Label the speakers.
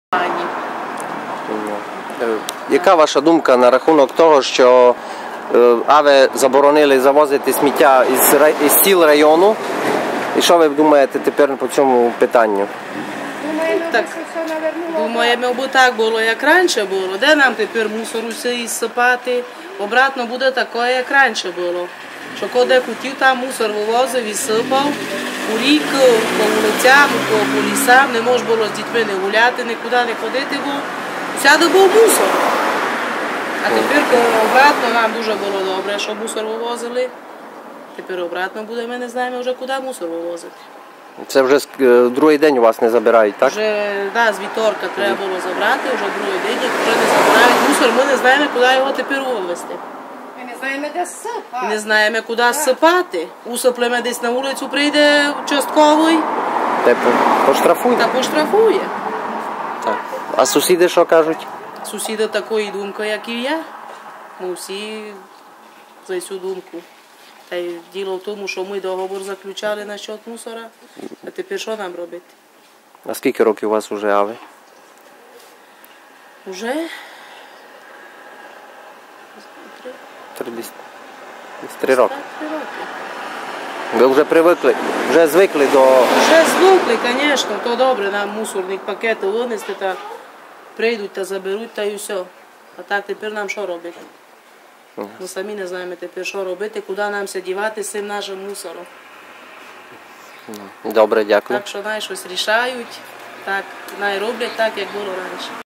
Speaker 1: Яка ваша думка на рахунок того, що АВЕ заборонили завозити сміття із сіл району? І що ви думаєте тепер по цьому питанню?
Speaker 2: Думаємо, бо так було, як раніше було. Де нам тепер мусор усе сипати? Обратно буде таке, як раніше було. Що коли хотів, там мусор вивозив і сипав. У рік, по вулицям, по лісам, не можна було з дітьми не гуляти, нікуди не ходити, бо всюди був мусор. А тепер обратно нам дуже було добре, що мусор вивозили. Тепер обратно буде, ми не знаємо вже, куди мусор вивозити.
Speaker 1: Це вже другий день у вас не забирають, так?
Speaker 2: Вже, да, з вівторка треба було забрати, вже другий день, як вже не забирають мусор, ми не знаємо, куди його тепер вивезти.
Speaker 3: Ми не знаємо, де сипати.
Speaker 2: Не знаємо, куди сипати. Усиплемо десь на вулицю, прийде участковий.
Speaker 1: Та поштрафує?
Speaker 2: Та поштрафує.
Speaker 1: Так. А сусіди що кажуть?
Speaker 2: Сусіди такої думки, як і я. Ми всі за цю думку. Та й діло в тому, що ми договор заключали насчет мусора, а тепер що нам робити?
Speaker 1: А скільки років у вас вже АВЕ?
Speaker 2: Уже?
Speaker 1: 3 роки.
Speaker 2: 3 роки.
Speaker 1: Ви вже привикли, вже звикли до...
Speaker 2: Вже звикли, звісно, то добре, нам мусорник пакети винести, та прийдуть та заберуть, та і все. А так тепер нам що робити? Ми самі не знаємо тепер, що робити, куди нам дівати з цим нашим мусором.
Speaker 1: Добре, дякую.
Speaker 2: Так що най щось рішають, так, най роблять так, як було раніше.